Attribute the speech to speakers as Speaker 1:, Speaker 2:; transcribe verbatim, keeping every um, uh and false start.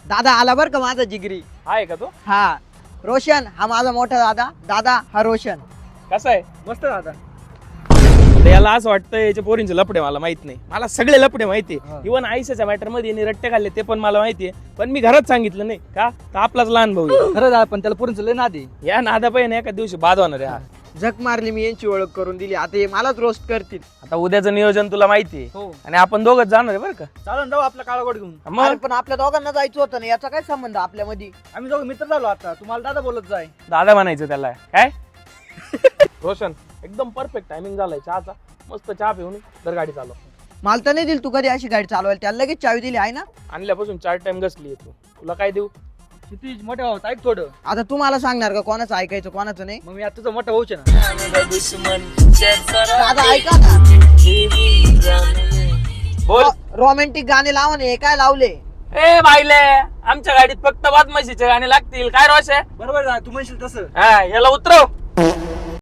Speaker 1: दादा आला बर का माझा जिगरी.
Speaker 2: आहे का तो?
Speaker 1: हा रोशन हा माझा मोठा दादा. दादा हा रोशन.
Speaker 2: कसा आहे?
Speaker 3: मस्त दादा.
Speaker 2: तर याला असं वाटतं याच्या पोरींचे लपडे मला माहित नाही. मला सगळे लपडे माहिती
Speaker 3: हा.
Speaker 2: इव्हन आयुष्याच्या मॅटर मध्ये यांनी रट्टे खाल्ले ते पण मला माहितीये. पण मी घरात सांगितलं नाही का तर आपलाच लहान भाऊ आहे.
Speaker 3: खरं दादा पण त्याला पुरींच लय नादी.
Speaker 2: या नादा पाहिजे एका दिवशी बाद होणार आहे हा.
Speaker 1: झक मारली मी यांची ओळख करून दिली. आता हे मलाच रोस्ट करतील.
Speaker 2: आता उद्याचं नियोजन तुला माहितीये
Speaker 3: हो
Speaker 2: आणि आपण दोघच जाणार आहे बरं का.
Speaker 3: चालन जाऊ आपला काळा गोड घेऊन.
Speaker 1: अरे
Speaker 2: मग
Speaker 1: पण आपल्या दोघांना जायचं होतं ना, याचा काय संबंध आपल्यामध्ये?
Speaker 3: आम्ही दोघं मित्र झालो आता. तुम्हाला दादा बोलत जाय.
Speaker 2: दादा म्हणायचं त्याला काय. रोशन एकदम परफेक्ट टायमिंग झालाय चहाचा. मस्त चहा पिऊन तर गाडी चालव.
Speaker 1: मला तर नाही दिली तू कधी अशी गाडी चालवायला. त्याला लगेच चावी दिली आहे ना.
Speaker 2: आणल्यापासून चार टाइम घसली तू. तुला काय देऊ?
Speaker 3: क्षितिज मोठे भाऊ ऐक थोडं.
Speaker 1: आता तू मला सांगणार का कोणाचं ऐकायचं कोणाचं नाही?
Speaker 3: मग मी आता तुझा मोठा भाऊच आहे ना.
Speaker 1: दादा ऐका ना,
Speaker 2: बोल.
Speaker 1: रोमॅन्टिक गाणे लावा ना. हे काय लावले?
Speaker 2: ए बाईले आमच्या गाडीत फक्त बदमाशीचे गाणे लागतील काय रोश आहे.
Speaker 3: बरोबर दादा तू म्हणशील तसं.
Speaker 2: हा याला उतरव.